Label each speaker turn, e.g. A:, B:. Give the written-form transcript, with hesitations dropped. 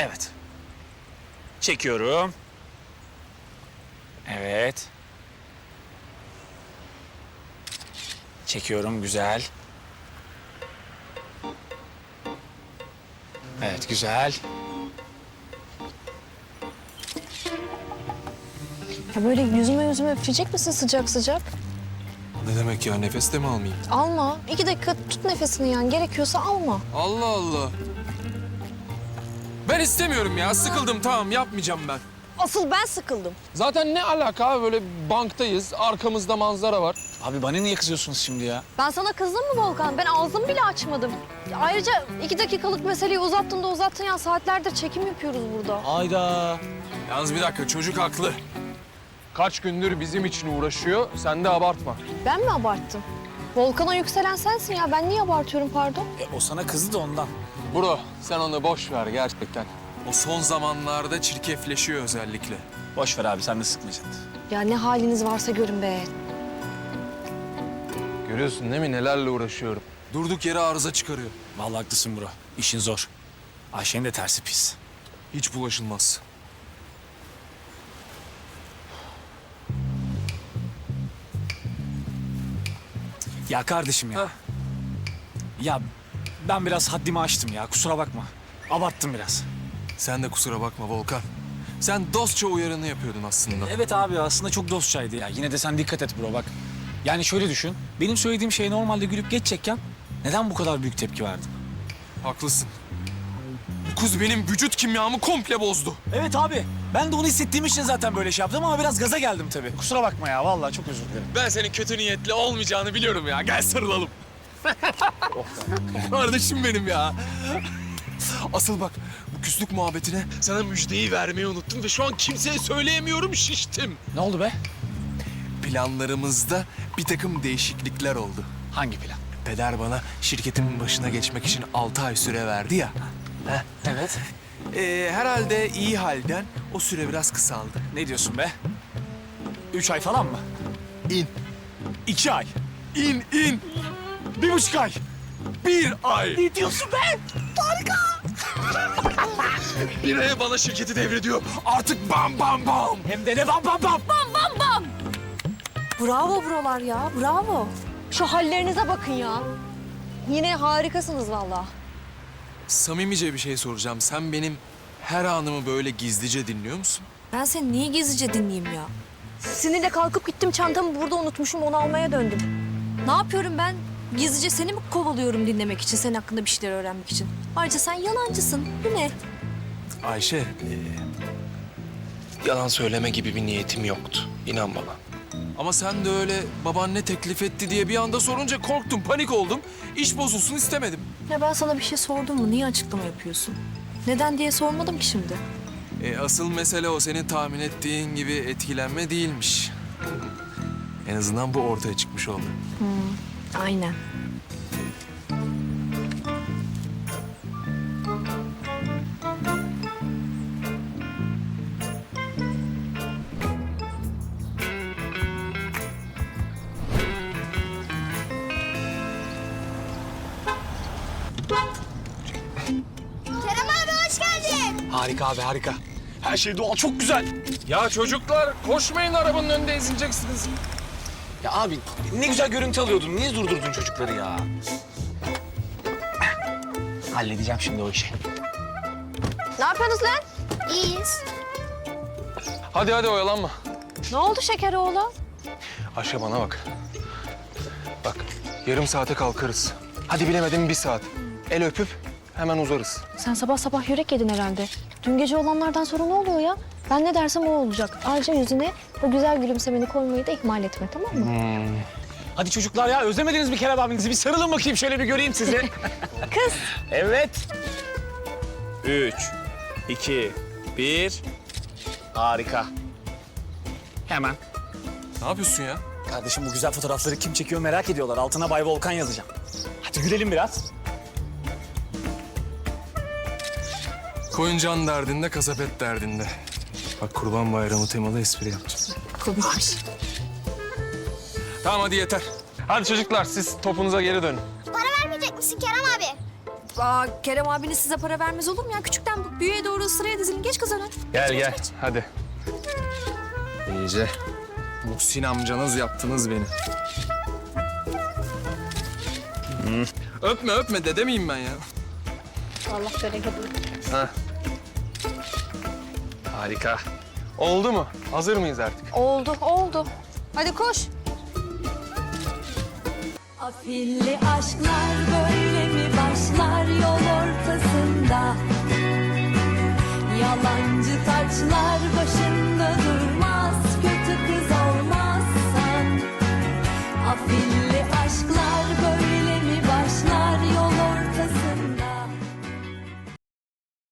A: Evet. Çekiyorum. Evet. Çekiyorum, güzel. Evet, güzel.
B: Ya böyle yüzüme üfleyecek misin sıcak sıcak?
C: Ne demek ya? Nefes de mi almayayım?
B: Alma. 2 dakika tut nefesini yani. Gerekiyorsa alma.
C: Allah Allah. Ben istemiyorum ya. Sıkıldım, tamam, yapmayacağım ben.
B: Asıl ben sıkıldım.
C: Zaten ne alaka abi? Böyle banktayız, arkamızda manzara var.
A: Abi bana niye kızıyorsunuz şimdi ya?
B: Ben sana kızdım mı Volkan? Ben ağzımı bile açmadım. Ayrıca 2 dakikalık meseleyi uzattın ya. Saatlerdir çekim yapıyoruz burada.
A: Hayda.
C: Yalnız bir dakika, çocuk haklı. Kaç gündür bizim için uğraşıyor, sen de abartma.
B: Ben mi abarttım? Volkan'a yükselen sensin ya. Ben niye abartıyorum pardon?
A: O sana kızdı da ondan.
C: Bro, sen onu boş ver gerçekten. O son zamanlarda çirkefleşiyor özellikle.
A: Boş ver abi, sen de sıkma canını.
B: Ya ne haliniz varsa görün be.
C: Görüyorsun değil mi nelerle uğraşıyorum? Durduk yere arıza çıkarıyor.
A: Vallahi haklısın bro. İşin zor. Ayşe'nin de tersi pis.
C: Hiç bulaşılmaz.
A: Ya kardeşim ya.
C: Heh.
A: Ya ben biraz haddimi aştım ya, kusura bakma. Abarttım biraz.
C: Sen de kusura bakma Volkan. Sen dostça uyarını yapıyordun aslında.
A: Evet abi, aslında çok dostçaydı ya. Yine de sen dikkat et bro bak. Yani şöyle düşün. Benim söylediğim şeye normalde gülüp geçecekken neden bu kadar büyük tepki verdin?
C: Haklısın. Bu kız benim vücut kimyamı komple bozdu.
A: Evet abi. Ben de onu hissettiğim için zaten böyle şey yaptım ama biraz gaza geldim tabii. Kusura bakma ya, vallahi çok özür dilerim.
C: Ben senin kötü niyetli olmayacağını biliyorum ya. Gel sarılalım. Kardeşim benim ya. Asıl bak, bu küslük muhabbetine sana müjdeyi vermeyi unuttum ve şu an kimseye söyleyemiyorum, şiştim.
A: Ne oldu be?
C: Planlarımızda bir takım değişiklikler oldu.
A: Hangi plan?
C: Peder bana şirketimin başına geçmek için 6 ay süre verdi ya. Heh.
A: Evet.
C: Herhalde iyi halden o süre biraz kısaldı.
A: Ne diyorsun be? 3 ay falan mı?
C: İn,
A: 2 ay.
C: in.
A: 1,5 ay.
C: 1 ay.
A: Ne diyorsun be?
C: Bir aya bana şirketi devrediyor. Artık bam bam bam.
A: Hem de ne bam bam bam.
B: Bravo brolar ya. Bravo. Şu hallerinize bakın ya. Yine harikasınız vallahi.
C: Samimice bir şey soracağım. Sen benim her anımı böyle gizlice dinliyor musun?
B: Ben seni niye gizlice dinleyeyim ya? Sinirle kalkıp gittim, çantamı burada unutmuşum, onu almaya döndüm. Ne yapıyorum ben? Gizlice seni mi kovalıyorum dinlemek için, senin hakkında bir şeyler öğrenmek için? Ayrıca sen yalancısın. Bu ne?
C: Ayşe, yalan söyleme gibi bir niyetim yoktu. İnan bana. Ama sen de öyle baban ne teklif etti diye bir anda sorunca korktum, panik oldum. İş bozulsun istemedim.
B: Ya ben sana bir şey sordum mu? Niye açıklama yapıyorsun? Neden diye sormadım ki şimdi.
C: Asıl mesele o senin tahmin ettiğin gibi etkilenme değilmiş. En azından bu ortaya çıkmış oldu.
B: Aynen.
D: Kerem abi hoş geldin.
A: Harika abi, harika. Her şey doğal, çok güzel.
C: Ya çocuklar koşmayın, arabanın önünde ezileceksiniz.
A: Ya abi ne güzel görüntü alıyordun. Niye durdurdun çocukları ya? Halledeceğim şimdi o işi.
B: Ne yapıyorsunuz lan?
D: İyiyiz.
C: Hadi oyalanma.
B: Ne oldu şeker oğlu?
C: Ayşe bana bak. Bak yarım saate kalkarız. Hadi bilemedim 1 saat. El öpüp hemen uzarız.
B: Sen sabah sabah yürek yedin herhalde. Dün gece olanlardan sonra ne oluyor ya? Ben ne dersem o olacak. Ayrıca yüzüne o güzel gülümsemeni koymayı da ihmal etme, tamam mı?
A: Hadi çocuklar ya, özlemediniz mi Kerem abinizi? Bir sarılın bakayım, şöyle bir göreyim sizi.
B: Kız.
A: Evet. 3, 2, 1. Harika. Hemen.
C: Ne yapıyorsun ya?
A: Kardeşim bu güzel fotoğrafları kim çekiyor merak ediyorlar. Altına Bay Volkan yazacağım. Hadi gülelim biraz.
C: Koyun can derdinde, kasap et derdinde. Bak Kurban Bayramı temalı espri yapacağım.
B: Komikmiş.
C: Tamam hadi yeter. Hadi çocuklar siz topunuza geri dönün.
D: Para vermeyecek misin Kerem abi?
B: Kerem abiniz size para vermez olur mu ya? Küçükten büyüğe doğru sıraya dizilin. Geç kız öne.
C: Gel hadi. İyice. Muhsin amcanız yaptınız beni. Öpme dede miyim ben ya?
B: Allah bereket.
C: Ha. Harika. Oldu mu? Hazır mıyız artık?
B: Oldu. Hadi koş.
E: Afilli aşklar böyle mi başlar yol ortasında? Yalancı taçlar başında durmaz, kötü kız